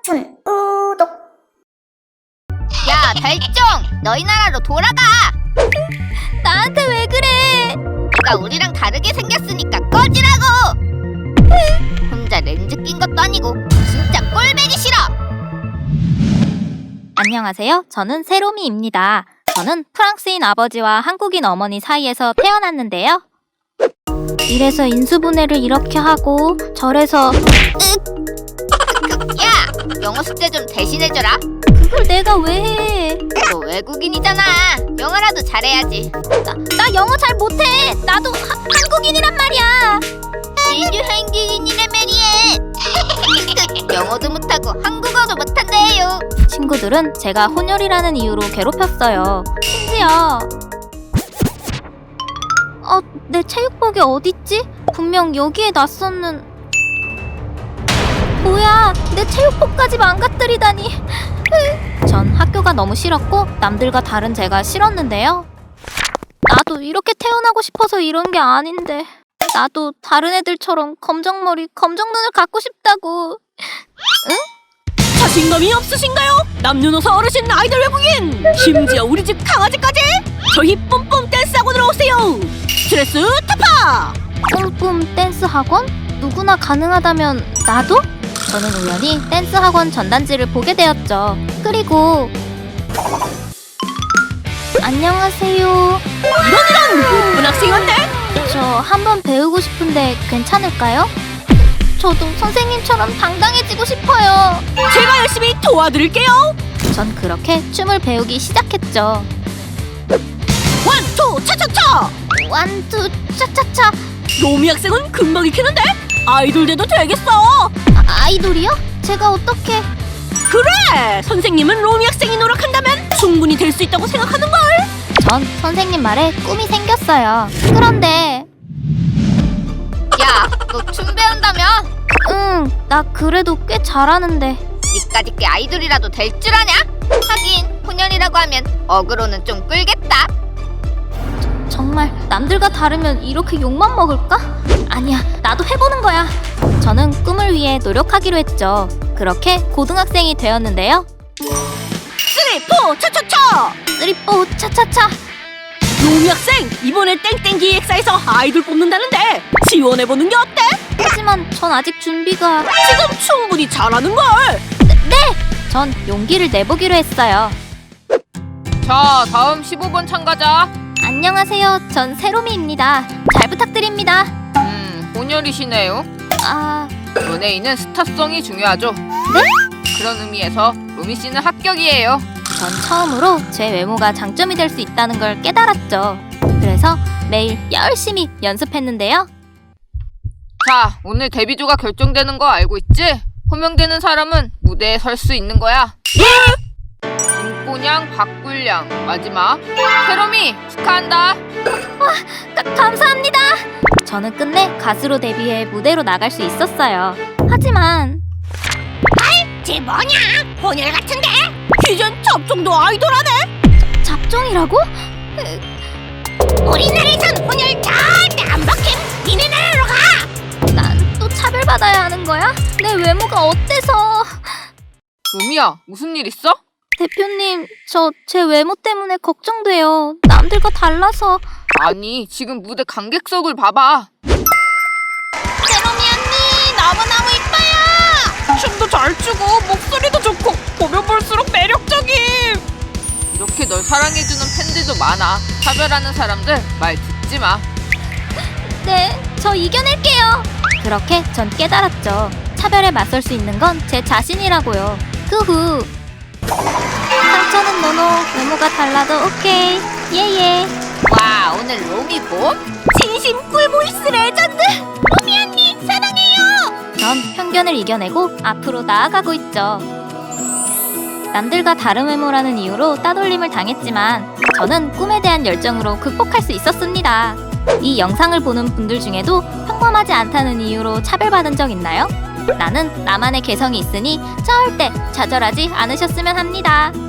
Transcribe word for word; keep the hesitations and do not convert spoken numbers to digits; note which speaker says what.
Speaker 1: 춘 우독.
Speaker 2: 야, 별종! 너희 나라로 돌아가! 나한테 왜 그래? 네가 우리랑 다르게 생겼으니까 꺼지라고! 혼자 렌즈 낀 것도 아니고 진짜 꼴배기 싫어!
Speaker 3: 안녕하세요. 저는 세로미입니다. 저는 프랑스인 아버지와 한국인 어머니 사이에서 태어났는데요. 이래서 인수분해를 이렇게 하고 저래서
Speaker 2: 야! 영어 숙제 좀 대신해줘라.
Speaker 3: 그걸 내가 왜 해?
Speaker 2: 너 외국인이잖아. 영어라도 잘해야지.
Speaker 3: 나, 나 영어 잘 못해. 나도 하, 한국인이란 말이야.
Speaker 2: 니도 한국인이란 말이야. 영어도 못하고 한국어도 못한대요.
Speaker 3: 친구들은 제가 혼혈이라는 이유로 괴롭혔어요. 심지어 어, 내 체육복이 어딨지? 분명 여기에 놨었는... 뭐야, 내 체육복까지 망가뜨리다니. 전 학교가 너무 싫었고 남들과 다른 제가 싫었는데요. 나도 이렇게 태어나고 싶어서 이런 게 아닌데 나도 다른 애들처럼 검정머리, 검정눈을 갖고 싶다고. 응?
Speaker 4: 자신감이 없으신가요? 남녀노소 어르신 아이돌 외국인! 심지어 우리 집 강아지까지! 저희 뿜뿜 댄스 학원으로 오세요! 스트레스 타파!
Speaker 3: 뿜뿜 댄스 학원? 누구나 가능하다면 나도? 저는 우연히 댄스 학원 전단지를 보게 되었죠. 그리고 안녕하세요.
Speaker 4: 이런 이런! 예쁜 학생인데?
Speaker 3: 저 한번 배우고 싶은데 괜찮을까요? 저도 선생님처럼 당당해지고 싶어요.
Speaker 4: 제가 열심히 도와드릴게요!
Speaker 3: 전 그렇게 춤을 배우기 시작했죠.
Speaker 4: 원, 투, 차차차!
Speaker 3: 완투 차차차.
Speaker 4: 로미 학생은 금방 익히는데? 아이돌 돼도 되겠어!
Speaker 3: 아, 아이돌이요? 제가 어떻게...
Speaker 4: 그래! 선생님은 로미 학생이 노력한다면 충분히 될 수 있다고 생각하는걸?
Speaker 3: 전 선생님 말에 꿈이 생겼어요. 그런데
Speaker 2: 야, 너 춤 배운다며?
Speaker 3: 응, 나 그래도 꽤 잘하는데.
Speaker 2: 니까짓 게 아이돌이라도 될 줄 아냐? 하긴 혼혈이라고 하면 어그로는 좀 끌겠다.
Speaker 3: 정말 남들과 다르면 이렇게 욕만 먹을까? 아니야, 나도 해보는 거야. 저는 꿈을 위해 노력하기로 했죠. 그렇게 고등학생이 되었는데요.
Speaker 4: 쓰리, 포, 차차차!
Speaker 3: 쓰리뽀 차차차.
Speaker 4: 로미 학생! 이번에 땡땡 기획사에서 아이돌 뽑는다는데 지원해보는 게 어때?
Speaker 3: 하지만 전 아직 준비가...
Speaker 4: 지금 충분히 잘하는걸!
Speaker 3: 네! 전 용기를 내보기로 했어요.
Speaker 5: 자, 다음 십오 번 참가자.
Speaker 3: 안녕하세요. 전 세로미입니다. 잘 부탁드립니다.
Speaker 5: 음, 혼혈이시네요.
Speaker 3: 아...
Speaker 5: 연예인은 스타성이 중요하죠.
Speaker 3: 네?
Speaker 5: 그런 의미에서 로미 씨는 합격이에요.
Speaker 3: 전 처음으로 제 외모가 장점이 될 수 있다는 걸 깨달았죠. 그래서 매일 열심히 연습했는데요.
Speaker 5: 자, 오늘 데뷔조가 결정되는 거 알고 있지? 호명되는 사람은 무대에 설 수 있는 거야. 김꼬냥, 박굴량, 마지막 세롬이 축하한다.
Speaker 3: 가, 감사합니다. 저는 끝내 가수로 데뷔해 무대로 나갈 수 있었어요. 하지만
Speaker 4: 쟤 뭐냐? 혼혈 같은데? 이젠 잡종도 아이돌하네?
Speaker 3: 잡종이라고?
Speaker 4: 우리나라에선 혼혈 절대 안 박힘! 니네 나라로 가!
Speaker 3: 난 또 차별받아야 하는 거야? 내 외모가 어때서?
Speaker 5: 로미야, 무슨 일 있어?
Speaker 3: 대표님, 저 제 외모 때문에 걱정돼요. 남들과 달라서.
Speaker 5: 아니, 지금 무대 관객석을 봐봐.
Speaker 4: 세롬이 언니 너무너무 이뻐요! 춤도 잘 추고 목소리도 좋고 보면 볼수록 매력적임!
Speaker 5: 이렇게 널 사랑해주는 팬들도 많아. 차별하는 사람들 말 듣지 마.
Speaker 3: 네, 저 이겨낼게요. 그렇게 전 깨달았죠. 차별에 맞설 수 있는 건 제 자신이라고요. 그 후 상처는 노노, 외모가 달라도 오케이. 예예.
Speaker 2: 와, 오늘 로미 봄?
Speaker 4: 진심 꿀보이스 레전드! 로미 언니 사랑해요!
Speaker 3: 전 편견을 이겨내고 앞으로 나아가고 있죠. 남들과 다른 외모라는 이유로 따돌림을 당했지만 저는 꿈에 대한 열정으로 극복할 수 있었습니다. 이 영상을 보는 분들 중에도 평범하지 않다는 이유로 차별받은 적 있나요? 나는 나만의 개성이 있으니 절대 좌절하지 않으셨으면 합니다.